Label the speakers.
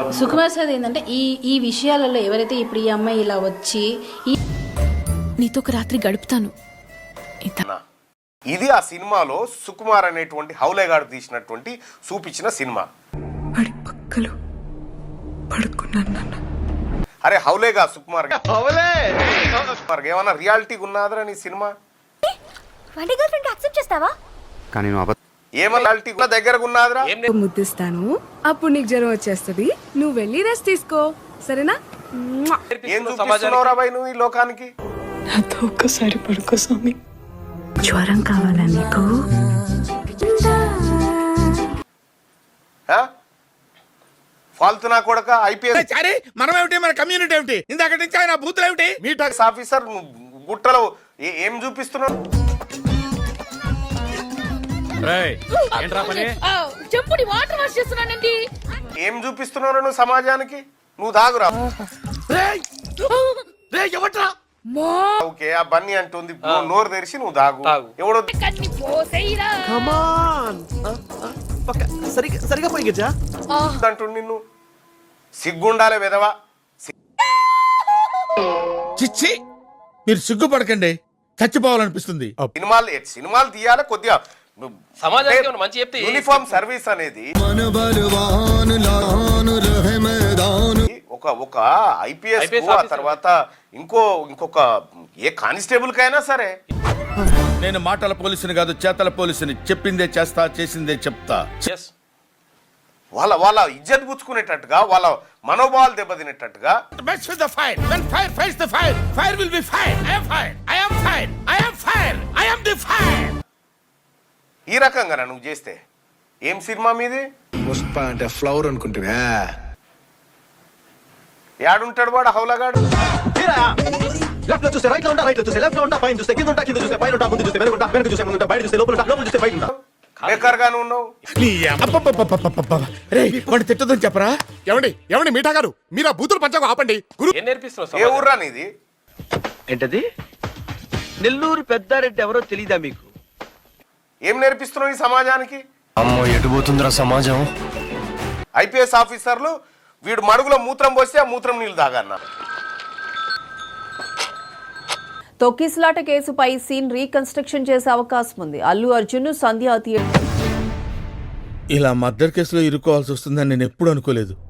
Speaker 1: Sukumar sir ఏంటంటే ఈ విషయాలలో ఎవరైతే ఇప్పుడు ఈ అమ్మాయి ఇలా వచ్చి
Speaker 2: నీతో ఒక రాత్రి గడుపుతాను.
Speaker 3: ఇది ఆ సినిమాలో సుకుమార్ అనేటువంటి హౌలేగాడు తీసినటువంటి చూపించిన సినిమా.
Speaker 4: వాడి పక్కలో పడుకున్నాను నాన్న.
Speaker 3: అరే హౌలేగా సుకుమార్ ఏమన్నా రియాలిటీ ఉన్నదా నీ సినిమా?
Speaker 5: కానీ
Speaker 3: ఏమన్నా రియాలిటీ దగ్గరకు ఉన్నదిరా?
Speaker 4: ముద్దిస్తాను, అప్పుడు నీకు జ్వరం వచ్చేస్తుంది. నువ్వు వెళ్ళి రెస్ట్ తీసుకో, సరేనా?
Speaker 3: ఏం చూపిస్తున్నావురా భయ్ నువ్వు ఈ లోకానికి?
Speaker 4: నాతో ఒక్కసారి పడుకో స్వామి.
Speaker 1: జ్వరం కావాలా నీకు?
Speaker 3: ఫాల్తు నా కొడక ఐపీఎస్
Speaker 6: మనం ఏమిటి, మన కమ్యూనిటీ ఏమిటి, ఇందాక నుంచి ఆయన బూతులు ఏమిటి?
Speaker 3: మీ టాక్స్ ఆఫీసర్ గుట్టలో ఏం చూపిస్తున్నావు? ఏం చూపిస్తున్నావు నువ్వు సమాజానికి? నువ్వు దాగురా. ఓకే ఆ బన్నీ అంటుంది, నోరు తెరిచి నువ్వు దాగు. ఎవడో
Speaker 5: సరిగా పోయి గజా
Speaker 3: అంటుండు నిన్ను. సిగ్గుండాలే విధవా.
Speaker 6: చిచ్చి, మీరు సిగ్గుపడకండి, చచ్చిపోవాలనిపిస్తుంది.
Speaker 3: సినిమాలు తీయాలి కొద్దిగా. యూనిఫామ్ సర్వీస్ అనేది ఒక ఐపీఎస్ తర్వాత ఇంకొక ఏ కానిస్టేబుల్ కైనా సరే.
Speaker 6: నేను మాటల పోలీసుని కాదు, చేతల పోలీసుని. చెప్పిందే చేస్తా, చేసిందే చెప్తా.
Speaker 3: వాళ్ళ ఇజ్జత్ పుచ్చుకునేటట్టుగా, వాళ్ళ మనోభావాలు దెబ్బతినేటట్టుగా. ఈ రకంగా నువ్వు చేస్తే ఏం సినిమా మీది?
Speaker 5: పుష్ప అంటే ఫ్లవర్ అనుకుంటున్నా.
Speaker 3: యాడుంటాడు వాడు హౌలగాడు?
Speaker 7: లెఫ్ట్ లో చూస్తే రైట్ లో ఉంటా, రైట్ లో చూస్తే లెఫ్ట్ లో ఉంటా, పైన చూస్తే కింద ఉంటా, కింద చూస్తే పైన ఉంటా, ముందు చూస్తే వెనక ఉంటా, వెనక చూస్తే ముందు ఉంటా, బయట చూస్తే లోపల ఉంటా, లోపల చూస్తే బయట ఉంటా.
Speaker 3: బేకార్ గాను ఉన్నావు.
Speaker 6: తిట్టదని చెప్పరా?
Speaker 8: ఏమండి మీఠా గారు, మీరు ఆ బూతులు పంచకు ఆపండి.
Speaker 3: ఏ ఊర్రా నీది?
Speaker 7: ఏంటది? నెల్లూరు పెద్దారెడ్డి ఎవరో తెలీదా మీకు?
Speaker 3: ఏం నేర్పిస్తున్నావు ఈ సమాజానికి?
Speaker 5: అమ్మో ఎటుపోతుందిరా సమాజం.
Speaker 3: ఐపీఎస్ ఆఫీసర్లు వీడు మడుగులో మూత్రం పోస్తే ఆ మూత్రం నీళ్ళు తాగన్నా.
Speaker 9: తొక్కిసలాట కేసుపై సీన్ రీకన్స్ట్రక్షన్ చేసే అవకాశం ఉంది. అల్లు అర్జున్ సంధ్య
Speaker 6: ఇలా మర్డర్ కేసులో ఇరుక్కోవాల్సి వస్తుందని నేను ఎప్పుడు అనుకోలేదు.